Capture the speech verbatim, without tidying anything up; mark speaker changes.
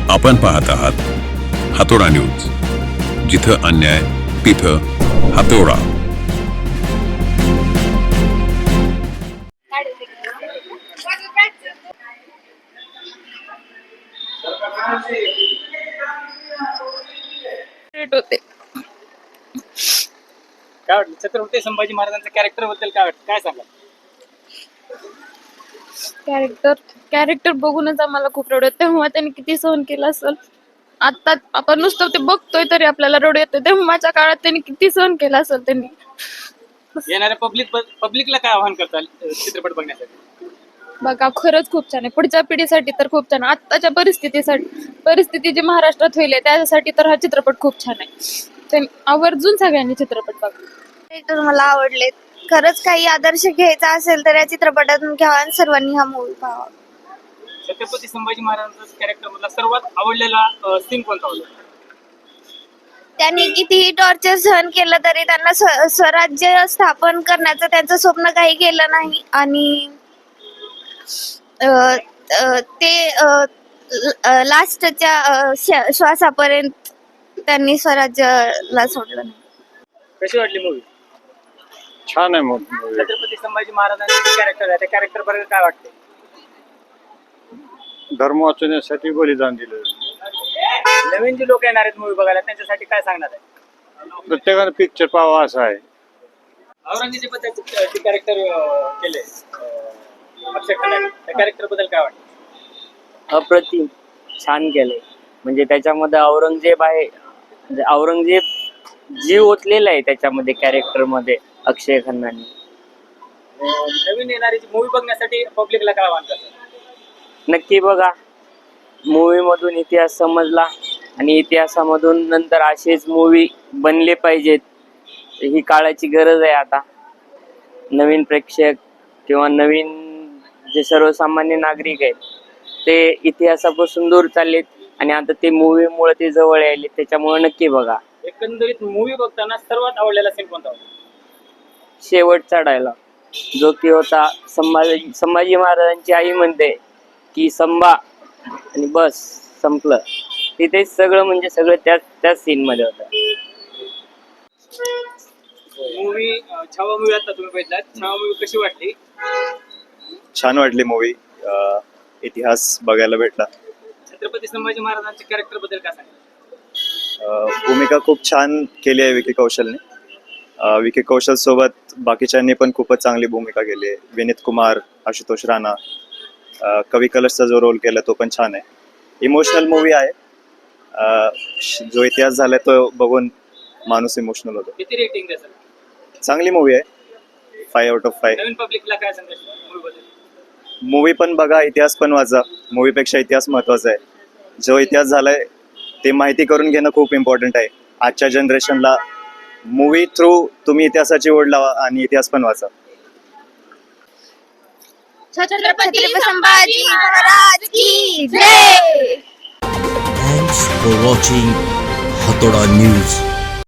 Speaker 1: आपण पाहत आहात हातोडा न्यूज, जिथं अन्याय तिथं हातोडा.
Speaker 2: होते
Speaker 3: काय वाटलं छत्रपती संभाजी महाराजांच्या कॅरेक्टर बद्दल काय वाटतं, काय सांगा?
Speaker 2: कॅरेक्टर कॅरेक्टर बघूनच आम्हाला खूप रडू येतं. तेव्हा त्यांनी किती सहन केलं असेल. आता आपण नुसतं ते बघतोय तरी आपल्याला रडू येतं. तेव्हाच्या काळात त्यांनी किती सहन केलं असेल. त्यांनी
Speaker 3: येणाऱ्या पब्लिक पब्लिकला काय आव्हान करताल चित्रपट बघण्यासाठी?
Speaker 2: बघा, खरंच खूप छान आहे. पुढच्या पिढीसाठी तर खूप छान आहे. आत्ताच्या परिस्थितीसाठी परिस्थिती जी महाराष्ट्रात होईल त्यासाठी तर हा चित्रपट खूप छान आहे. त्यांनी आवर्जून सगळ्यांनी चित्रपट बघा.
Speaker 4: तर मला आवडले. खरंच काही आदर्श घ्यायचा असेल तर या चित्रपटातून घ्यावा आणि सर्वांनी हा मूवी पाहावा.
Speaker 3: छत्रपती संभाजी महाराजांचा कॅरेक्टर मधला सर्वात आवडलेला सीन कोणता होता?
Speaker 4: त्यांनी कितीही टॉर्चर सहन केलं तरी त्यांना स्व- स्वराज्य स्थापन करण्याचं त्यांचं स्वप्न काही केलं नाही आणि अं, अं, ते लास्टच्या श्वासापर्यंत त्यांनी स्वराज्याला सोडलं नाही.
Speaker 3: कशी वाटली मूवी?
Speaker 5: छान आहे मग.
Speaker 3: छत्रपती संभाजी महाराजांचे कॅरेक्टर आहे, त्या कॅरेक्टर बद्दल काय वाटते?
Speaker 5: धर्म वाचवण्यासाठी बलिदान दिलं.
Speaker 3: नवीन जे लोक येणार आहेत मूवी बघायला त्यांच्यासाठी काय सांगणार आहे?
Speaker 5: प्रत्येकानं पिक्चर पाहावा असं आहे.
Speaker 3: औरंगजेबाचे कॅरेक्टर केले अक्षय खन्नाने, त्या कॅरेक्टर बद्दल काय वाटतं?
Speaker 6: अप्रतिम छान केलंय. म्हणजे त्याच्यामध्ये औरंगजेब आहे, म्हणजे औरंगजेब जीव ओतलेला आहे त्याच्यामध्ये कॅरेक्टर मध्ये अक्षय खन्नाने.
Speaker 3: नवीन येणारी मूवी बघण्यासाठी पब्लिकला काय आव्हान करतात?
Speaker 6: नक्की बघा, मूवी मधून इतिहास समजला आणि इतिहासामधून नंतर असेच मूवी बनले पाहिजेत. ही काळाची गरज आहे आता. नवीन प्रेक्षक किंवा नवीन जे सर्वसामान्य नागरिक आहेत ते इतिहासापासून दूर चाललेत आणि आता ते मूवीमुळे ते जवळ यायले. त्याच्यामुळे नक्की बघा.
Speaker 3: एकंदरीत मूवी बघताना सर्वात आवडलेला सीन कोणता होता?
Speaker 6: शेवटचा डायलॉग जो की होता, संभाजी संभाजी महाराजांची आई म्हणते की संभा आणि बस संपलं. तिथे सगळं म्हणजे सगळं त्याच त्याच सीन मध्ये होतं.
Speaker 3: मूवी छावा मूवी आता तुम्ही बघितला, छावा मूवी कशी वाटली?
Speaker 7: छान वाटली मूवी. इतिहास बघायला भेटला.
Speaker 3: छत्रपती संभाजी महाराजांच्या कॅरेक्टर बद्दल काय सांगा?
Speaker 7: अ, भूमिका खूप छान केली आहे विकी कौशलने. अ, विकी कौशल सोबत बाकीच्यांनी पण खूपच चांगली भूमिका केली आहे. विनीत कुमार, आशुतोष राणा, अ, कवी कलशचा जो रोल केला तो पण छान आहे. इमोशनल मूवी आहे. अ, जो इतिहास झालाय तो बघून माणूस इमोशनल होतो.
Speaker 3: किती रेटिंग द्याल?
Speaker 7: चांगली मूवी आहे. Five out of five.
Speaker 3: नवीन पब्लिकला काय सांगायचं मूवी बद्दल?
Speaker 7: मूवी पण बघा, इतिहास पण वाचा. मूवीपेक्षा इतिहास महत्वाचा आहे. जो इतिहास झालाय ते माहिती करून घेणं खूप इम्पॉर्टंट आहे. आजच्या जनरेशनला मूवी थ्रू तुम्ही इतिहासाची ओढ लावा आणि इतिहास पण वाचा.
Speaker 4: छत्रपती संभाजी महाराज की जय.
Speaker 8: Thanks for watching Hatoda News.